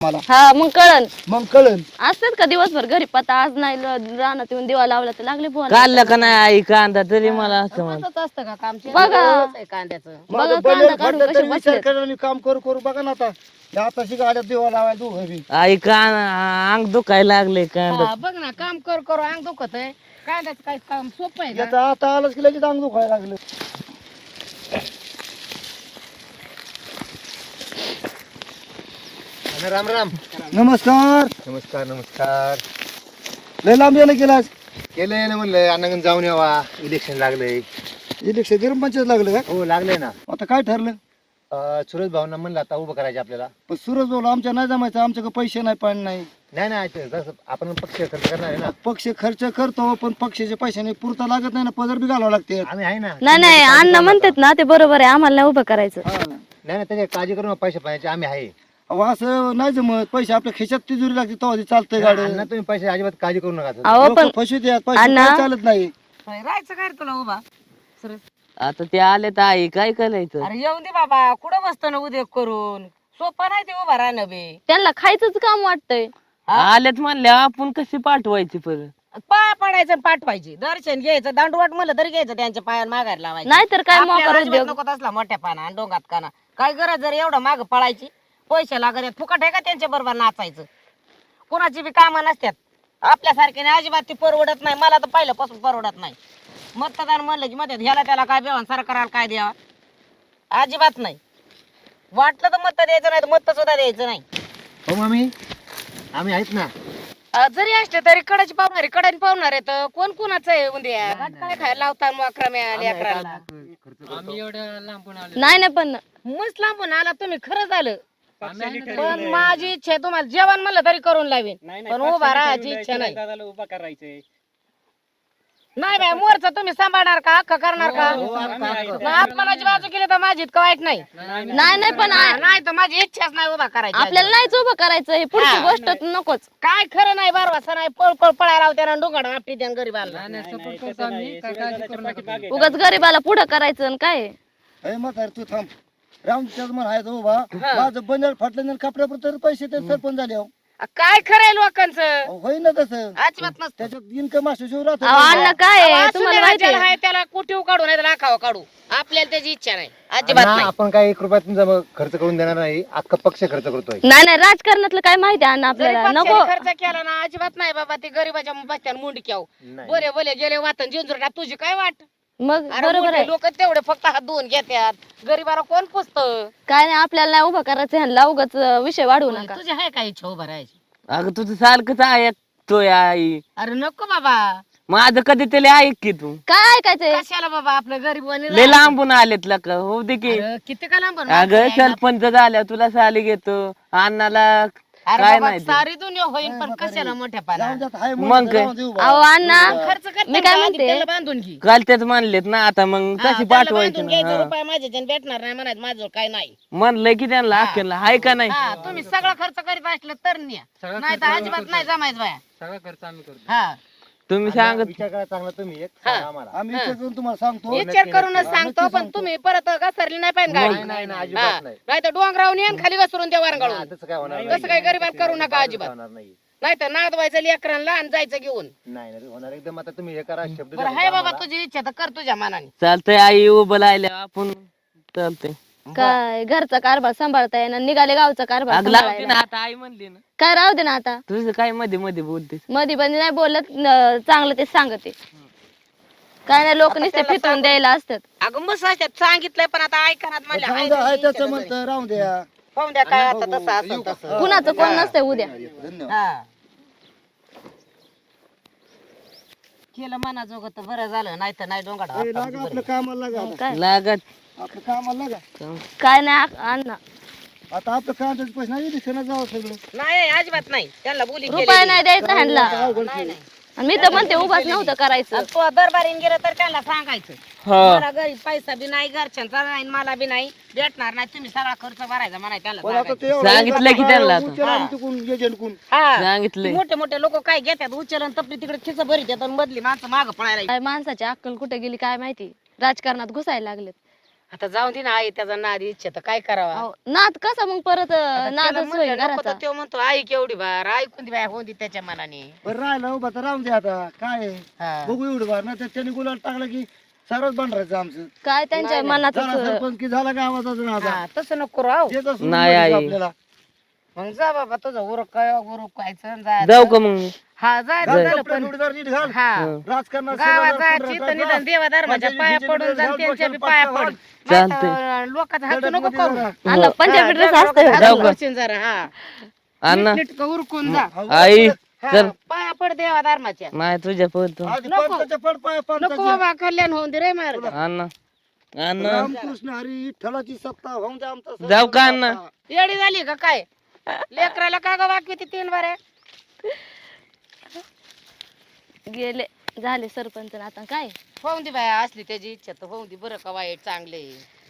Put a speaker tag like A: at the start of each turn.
A: मला
B: हा मग कळन
A: मग कळन.
B: असतात का दिवसभर घरी पता आज नाही रानात येऊन दिवा लावला तर लागले बोला
C: काढलं का नाही आई कांदा तरी मला असं म्हण
D: रोजच असतं का काम
B: बघा.
D: कांद्याचं
B: बघा
A: माझं
B: कांदा
A: बनेल
B: काढून
A: फाटलं
B: कसे
A: तरी विचार
B: बसलेत.
A: करा आणि काम करू करू बघा ना आता. या आताशी गाड्यात दिवा लावायला दोघं बी.
C: आई अंग दुखायला लागले कांदा
D: हा, बघ ना काम कर करू अंग दुखत आहे कांद्याचं काय काम सोपं आहे का?
A: याचं आता आलंच की लगेच अंग दुखायला लागलं.
E: राम राम.
A: नमस्कार.
E: नमस्कार नमस्कार.
A: लय लांब यायला गेलास.
E: केलंय ना म्हणलं अण्णाकडे जाऊन यावा. इलेक्शन लागलंय.
A: इलेक्शन ग्रामपंचायत लागलं का?
E: हो लागलंय ना.
A: आता काय ठरलं?
E: सुरज भावना म्हणलं आता उभं करायचं आपल्याला.
A: पण सूरज बोल आमच्या नाही जमायचं, आमच्याकडे पैसे नाही पाणी नाही.
E: नाही नाही ते जसं आपण पक्ष खर्च करणार आहे ना.
A: पक्ष खर्च करतो पण पक्षाच्या पैशाने पुरता लागत नाही ना, पदर बी घालावं लागते.
E: आम्ही आहे ना.
B: नाही नाही अण्णा म्हणतात ना ते बरोबर आहे आम्हाला नाही उभं करायचं.
A: हा.
E: नाही नाही त्याची काळजी करून पैसे पाहिजे आम्ही आहे.
A: अहो, असं नाही जमत. पैसे आपल्या खिशात तिजोरी लागते तेव्हा चालतंय गाडी.
E: अण्णा तुम्ही पैसे अजिबात काळजी करू नका.
B: अहो पण
A: फसू द्या, पैसे
B: अण्णा.
A: काय चालत नाही.
D: राहायचं काय रे तुला उभा सरस?
C: आता ते आले तर आई काय करायचं
D: अरे येऊन दे बाबा कुठं बसतो ना उद्योग करून सोपं नाही ते उभा राहणं बे.
B: त्यांना खायचंच काम वाटतंय.
C: आलेत म्हणल्या आपण कशी पाठवायची परत
D: पाय पडायचं आणि पाठवायचे दर्शन घ्यायचं दांडवाट म्हणलं तरी घ्यायचं त्यांच्या पायावर मागायला लावायचं.
B: नाहीतर काय
D: आपल्याला
B: मोकार
D: अजिबात
B: उद्योग.
D: नको तसला मोठ्या पाना आणि डोंगात काना काय गरज जर एवढं माग पळायची पैसे लागत आहेत, फुकट आहे का त्यांच्या बरोबर नाचायचं. कोणाची बी कामं नसतात आपल्यासारख्याने अजिबात ती परवडत नाही. मला तर पहिल्यापासून परवडत नाही. मतदान म्हणलं की म्हणतात ह्याला त्याला काय द्यावं सरकाराला काय द्यावा अजिबात नाही. वाटलं तर मत द्यायचं नाही तर मत सुद्धा द्यायचं नाही.
E: हो मामी आम्ही आहेत ना.
D: जरी असले तरी कडाची पावणारे कडाने पावणार आहे तर कोण कोणाचं आहे उद्या काय खायला लावता मोकरा लेकराला.
B: नाही नाही पण
D: मस्त लांबून आला तुम्ही खरं झालं. पण माझी इच्छा आहे तुम्हाला जेवण म्हणलं तरी करून लावेन पण उभा राहायची इच्छा नाही. नाही बाय मोरचा तुम्ही सांभाळणार का हक्क करणार का? आत्मनाची बाजू केली तर माझी इतकं वाईट नाही.
B: नाही नाही पण
D: नाही तर माझी इच्छाच नाही उभा करायची.
B: आपल्याला नाहीच उभं करायचं हे पुढची
D: हा.
B: गोष्ट नकोच.
D: काय खरं नाही बारवासा नाही पळ पळ पळायला लावत्या डोंगाड आपली त्या गरीबाला.
B: उगाच गरीबाला पुढं करायचं आणि काय
A: हे म्हातार तू थांब. रामच्याच म्हण आहे तो उभा. माझं बनेल फाटलं नाही कपड्यापुरतं तर पैसे ते सरपंच झाले. अहो.
D: काय खरं आहे लोकांचं
A: अहो, होईना तसं.
D: अजिबात नसतं.
A: त्याच्यात इन्कम असू शिव राहतो.
B: अहो, अण्णा काय आहे?
D: अहो,
B: तुम्हाला
D: असू दे
B: माहिती
D: राज्याला
B: आहे?
D: आहे त्याला कुठे काढू नाही तर लाखावं काढू आपल्याला त्याची इच्छा नाही अजिबात
E: अण्णा,
D: नाही.
E: आपण काय 1 रुपया तुमचा खर्च करून देणार नाही. अख्खा पक्ष खर्च करतोय.
B: नाही नाही राजकारणातलं काय माहिती आहे अण्णा
D: जरी
B: आपल्याला
D: पक्षाने
B: नको.
D: खर्च केला ना अजिबात नाही बाबा ते गरीबाच्या बसत्यान मुंडक्याव
E: नाही.
D: बरे बोले गेले वाटन जिंजुरला तुझी काय वाट.
B: मग बरोबर आहे.
D: लोक तेवढे फक्त हात धुवून घेतात गरीबाला कोण पुसत.
B: काय नाही आपल्याला नाही उभं करायचं ह्यांना उगाच विषय वाढवू नका.
D: तुझी आहे काय इच्छा उभा राहायची?
C: अगं तुझं सारखंच ऐकतोय आई
D: अरे नको बाबा
C: माझं कधी त्याला ऐक की तू
B: काय ऐकायचंय?
D: कशाला बाबा आपलं गरीब
C: लय लांबून आलेत लका हो दे की
D: किती का लांब
C: अगं सरपंच झाल्या तुला साली घेतो अण्णाला काय नाही ते.
D: सारी दुनिया होईल पण कशाला मोठ्या पाना
A: जाऊन जात आहे
C: मग
A: म्हणून
C: काय?
A: राहून दे उभा.
B: अहो अण्णा
D: खर्च
B: मी
D: करते
B: काय म्हणते?
D: त्याला बांधून घे.
C: काल त्याच म्हणलेत ना आता मग कशी पाठवायची
D: घ्यायचं
C: ना
D: रुपये माझ्याच्यानं भेटणार नाही म्हणायचं माझं काय नाही.
C: म्हणलंय की त्यांना अखेरला हाय का नाही
D: हा तुम्ही सगळं खर्च करीत असलं तर न्या नाही तर अजिबात नाही जमायचं बाया
F: सगळा खर्च आम्ही करतो.
D: हा
C: तुम्ही सांगत
E: विचार करा चांगला तुम्ही एक सांगा आम्हाला.
A: आम्ही विचार करून तुम्हाला सांगतो.
D: विचार करूनच सांगतो पण तुम्ही परत घसरली नाही पाहिजे गाडी.
E: नाही नाही अजिबात नाही.
D: नाही तर डोंगरावून येऊन खाली घसरून द्या वारंगाळून.
E: तसं काय होणार
D: तसं काही गरीबात करू नका अजिबात.
E: होणार नाही.
D: नाही तर नाद व्हायचं लेकरांना आणि जायचं घेऊन.
E: नाही नाही होणार एकदम. आता तुम्ही हे करा शब्द
D: बरं
E: द्या
D: हाय बाबा
E: आम्हाला.
D: तुझी इच्छा तर कर तुझ्या मनाने.
C: चालतंय आई उभं राहिल्या आपण चालतंय
B: काय घरचा कारभार सांभाळता येणार निघाले गावचा कारभार
C: अग लावते
B: सांभाळायला.
C: ना आता आई म्हणली ना
B: काय राहू दे ना आता
C: तुझं काय मध्ये मध्ये बोलतेस
B: मधी पण नाही बोलत चांगलं ते सांगते. काय नाही लोक नुसते फितून द्यायला असतात.
D: अगं मस्त असतात सांगितलंय पण आता ऐकणार म्हणलं
A: जाऊन
D: हाय
A: द्या, आहे
D: तुझी
A: त्याचं
D: इच्छा
A: म्हणतं राहून द्या.
D: पाहून द्या काय आता तसं असं तसं.
B: कुणाचं कोण नसतंय उद्या.
A: धन्यवाद.
D: हा केलं मनाजोगं तर बरं झालं नाही तर नाही डोंगाड
A: ए, लागा आपलं कामाला लागा आता.
B: काय
C: लागत
A: आपलं कामाला लागा.
B: काय नाही अण्णा
A: आता आपलं कामाचं पैसे नाही दिसेना जावं सगळं.
D: नाही अजिबात नाही त्यांना बोली
B: रुपये नाही द्यायचा ह्यांना
D: नाही नाही
B: आणि मी तर म्हणते उभाच नव्हतं करायचं.
D: आणि तो दरबारीन गेलं तर त्यांना सांगायचं
C: हा
D: मला घरी पैसा बी नाही घरच्यांचा नाही मला बी नाही भेटणार नाही तुम्ही सगळा खर्च भरायचा म्हणाय त्याला
A: पण आता
D: सांगायचं.
A: ते एवढं
C: सांगितलं की त्यांना आता.
A: उचल आणि तिकडून एजंट कोण.
D: हा.
C: सांगितलंय
D: मोठे मोठे लोक काय घेतात उचलन तपली तिकडे खिच भरीत येतात आणि मधली माणसं माग पळायला
B: काय माणसाची अक्कल कुठे गेली काय माहिती राजकारणात घुसायला लागलेत.
D: आता जाऊन दे ना आई त्याचा नाद इच्छा तर काय करावा
B: अहो, नाद कसा मग परत
D: आता
B: नादच
D: त्याला
B: होईल
D: म्हणलं नको
B: घराचा.
D: तर तो म्हणतो आई केवढी बार ऐकून दे बाय होऊन दे त्याच्या मनाने
A: बरं राहिलं उभा तर राहून दे आता काय आहे.
D: हा.
A: बघू एवढं बार ना त्याने गुलाल टाकला की सरच बनरायचं आमचं.
B: काय त्यांच्या मनात
A: झाला सरपंच की झाला गावाचा नादा.
D: हा, तसं नको राव
A: त्याचं सोडून
C: नाही
A: द्यायचं
C: आई.
A: आपल्याला.
D: मग जा बाबा तुझं उरक काय उरक व्हायचं जायचं.
C: जाऊ का मग
D: हा जायचं
A: घाल
D: झालं
A: कपडे
D: पण
A: जोडीदार नीट घाल.
D: हा
A: राजकारणात
D: गावात
A: शेजारदार
D: जायची
A: पुढं
D: तर निदान देवा धर्माच्या
A: पंचायत
D: पाया
A: बिचायत
D: पडून जा
A: घाल,
D: त्यांच्या बी
A: डोक्याला
D: पाया
A: पट्टा
D: पड
A: घाल.
D: नाहीतर लोकांचा हात नको
A: दडपमध्ये
D: करू
A: जरा.
B: आणला पंजाबी ड्रेस असतोय
C: जाऊ
D: जाऊ
C: का?
D: जरा हा
C: अण्णा
D: नीट उरकून जा
C: आई
D: हा,
C: चल
D: पाया पड देवा धर्माच्या
C: नाही तुझ्या पळतो
A: आधी
D: नको.
A: पंचाच्या पड पाय
D: नको
A: पंचाच्या.
D: बाबा कल्याण होऊन दे रे मार्ग
C: अण्णा अण्णा
A: रामकृष्ण हरी विठ्ठलाची सत्ता होऊन दे आमचा सर्व
C: जाऊ का अण्णा?
A: सत्ता.
D: येडी झाली का काय लेकराला का ग वाकवी ती 3 बारे
B: गेले झाले सरपंच आता काय
D: होऊन दे बाया असली त्याची इच्छा तर होऊन दे बरं का वाईट चांगले